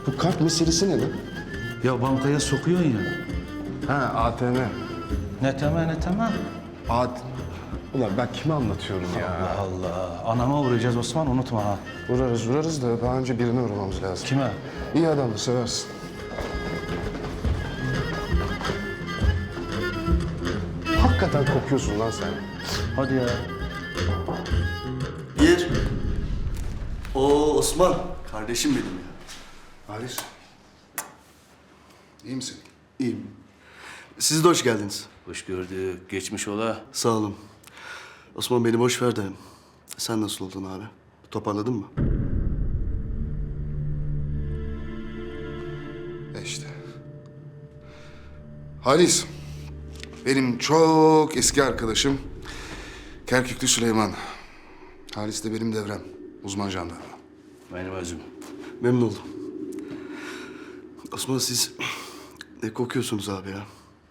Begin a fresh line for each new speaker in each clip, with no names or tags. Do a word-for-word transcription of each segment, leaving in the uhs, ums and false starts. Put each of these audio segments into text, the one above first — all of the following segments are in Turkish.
Bu kart meselesi ne lan?
Ya bankaya sokuyorsun ya.
Ha A T M.
Ne temel ne temel.
A T Ulan ben kime anlatıyorum ya?
Allah Allah. Anama uğrayacağız Osman, unutma ha.
Vurarız vurarız da daha önce birine uğramamız lazım.
Kime?
İyi adamdı, seversin. Hakikaten kokuyorsun lan sen.
Hadi ya.
Bir. Oo Osman. Kardeşim benim ya.
Halis. İyi misin?
İyiyim. Siz de hoş geldiniz.
Hoş gördük. Geçmiş ola.
Sağ olun. Osman beni boş ver de. Sen nasıl oldun abi? Toparladın mı?
E işte. Halis. Benim çok eski arkadaşım Kerküklü Süleyman. Halis de benim devrem. Uzman jandarma.
Benim özüm.
Memnun oldum. Osman siz ne kokuyorsunuz abi ya?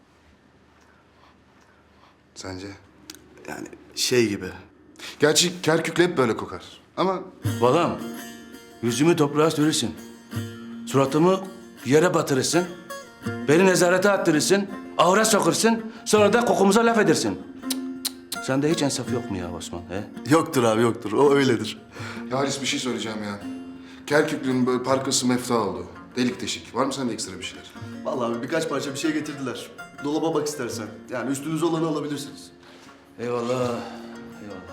Sence?
Yani şey gibi.
Gerçi Kerküklü hep böyle kokar. Ama
Balam, yüzümü toprağa sürürsün. Suratımı yere batırırsın. Beni nezarete attırırsın. Ahıra sokursun. Sonra da kokumuza laf edersin. Cık, cık, cık. Sende hiç insaf yok mu ya Osman? He?
Yoktur abi yoktur. O öyledir.
ya Halis bir şey söyleyeceğim ya. Kerküklü'nün böyle parkası mefta oldu. Delik deşik. Var mı sende ekstra bir şeyler?
Vallahi abi birkaç parça bir şey getirdiler. Dolaba bak istersen. Yani üstünüze olanı alabilirsiniz.
Eyvallah. Eyvallah.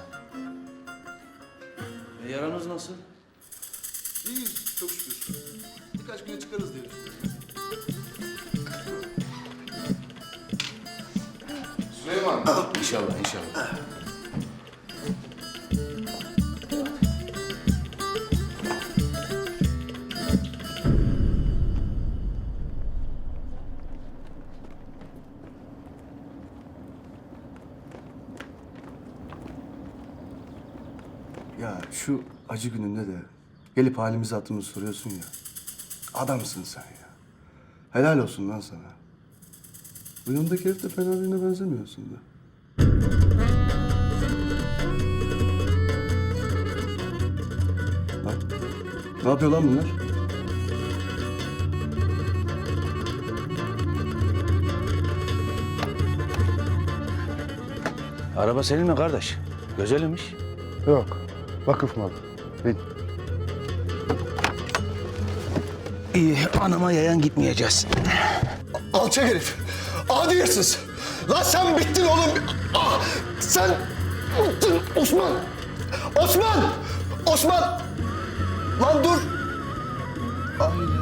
E, yaranız nasıl?
İyiyiz çok şükür. Birkaç güne çıkarız diye düşünüyorum.
Süleyman.
İnşallah, inşallah.
Ya şu acı gününde de gelip halimizi hatırımızı soruyorsun ya. Adamsın sen ya. Helal olsun lan sana. Bu yanındaki herif de fena birine benzemiyorsun da. Bak. Ne yapıyor lan bunlar?
Araba senin mi kardeş? Güzelmiş.
Yok. Vakıf malı. Bin.
İyi, anama yayan gitmeyeceğiz.
Alçak herif. Adi hırsız. Lan sen bittin oğlum. Ah, sen bittin Osman. Osman. Osman. Lan dur. Ay.